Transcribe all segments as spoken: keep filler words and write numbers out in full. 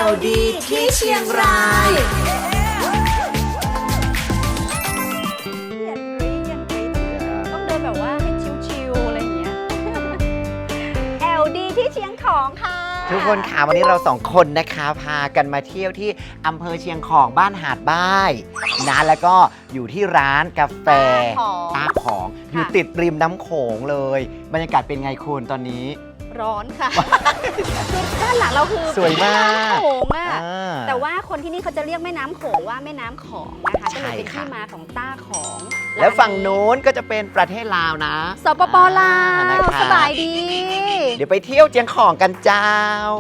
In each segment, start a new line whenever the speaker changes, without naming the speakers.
ล ดี ที่เชียงราย
ต้องเดินแบบว่าให้ชิวๆอะไรอย่างเงี้ย แอล ดี ที่เชียงของค่ะ
ทุกคนค่ะวันนี้เราสองคนนะคะพากันมาเที่ยวที่อำเภอเชียงของบ้านหาดบ้ายนะแล้วก็อยู่ที่ร้านกาแฟตาของอยู่ติดริมน้ำโขงเลยบรรยากาศเป็นไงคุณตอนนี้
ร้อนค่ะ คือด้านหลังเราคือ
สวยมาก
แม่น้ำโขงอะ
อ่า
แต่ว่าคนที่นี่เขาจะเรียกแม่น้ำโขงว่าแม่น้ำของนะคะก็เลยเป็น
ใช่ค่ะ
ที่มาของต้าของ
แล้วฝั่งนู้นก็จะเป็นประเทศลาวนะ
สปปลา
อ่
ว
นะคะ
สบายดี
เดี๋ยวไปเที่ยวเจียงของกันเจ้า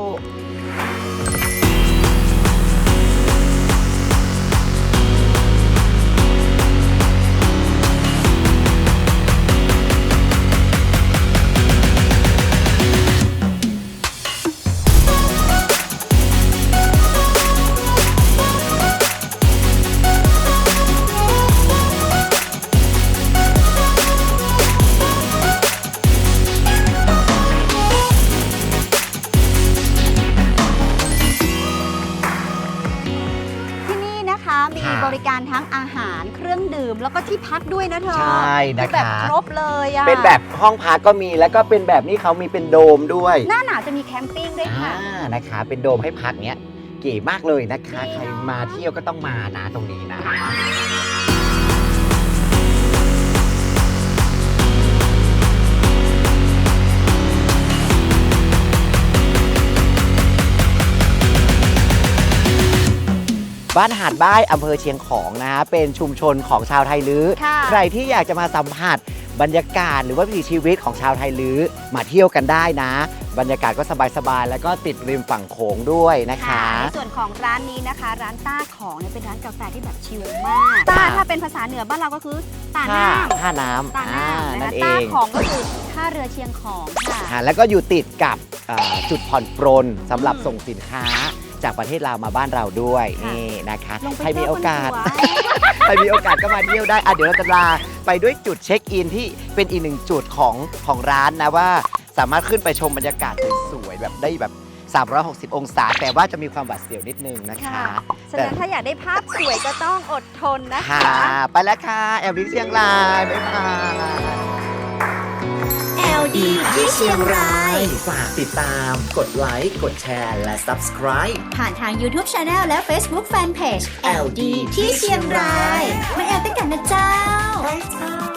ที่นี่นะคะมี
ค่ะ
บริการทั้งอาหารเครื่องดื่มแล้วก็ที่พักด้วยนะเธอ
ใช่นะ
คือแบบ
คะ
ครบเลยอะ
เป็นแบบห้องพักก็มีแล้วก็เป็นแบบนี้เขามีเป็นโดมด้วย
หน้าหนาวจะมีแคมปิ้งด้วยค่ะ
อ่านะคะ เป็นโดมให้พักเนี้ยเก๋มากเลยนะคะ ใครมาเที่ยวก็ต้องมานะตรงนี้นะ บ้านหาดบ้ายอำเภอเชียงของนะเป็นชุมชนของชาวไทยลื้อ
ค่ะ
ใครที่อยากจะมาสัมผัสบรรยากาศหรือว่าวิถีชีวิตของชาวไทยลื้อมาเที่ยวกันได้นะ บรรยากาศก็สบายๆแล้วก็ติดริมฝั่งโขงด้วยนะคะ
ในส่วนของร้านนี้นะคะ ร้านต้าของเนี่ยเป็นร้านกาแฟที่แบบชิลมากต้าถ้าเป็นภาษาเหนือบ้านเราก็คือตา
ท่า
น้ำ
ท่าน้ำ
ตา
อ่า
น้ำนะ
นั่
คะ
นเอ
ต้าง ของก็คือท่าเรือเชียงของค่ะ
อ่าแล้วก็อยู่ติดกับเอ่อจุดผ่อนปรนสำหรับ
อืม
ส่งสินค้าจากประเทศลาวมาบ้านเราด้วย
ค่ะ
นี่นะคะ
ลงไป
ใครมีโอกาส
เที่ยวบนหัว
ใครมีโอกาสก็มาเที่ยวได้อ่ะเดี๋ยวเราจะลาไปด้วยจุดเช็คอินที่เป็นอีกหนึ่งจุดของของร้านนะว่าสามารถขึ้นไปชมบรรยากาศสวยๆแบบได้แบบ สามร้อยหกสิบ องศา แต่ว่าจะมีความหวาดเสียวนิดนึงนะคะ
ค่ะ ฉะนั้นถ้าอยากได้ภาพสวยก็ต้องอดทนนะ
ค่ะ
คะ
ไปแล้วค่ะ แอล ดี เชียงรายบ๊ายบาย
แอล ดี ที่เชียงราย
ฝากติดตามกดไลค์กดแชร์และ Subscribe
ผ่านทาง YouTube Channel และ Facebook Fanpage แอล ดี ที่เชียงราย มาแอลด้วยกันนะเจ้า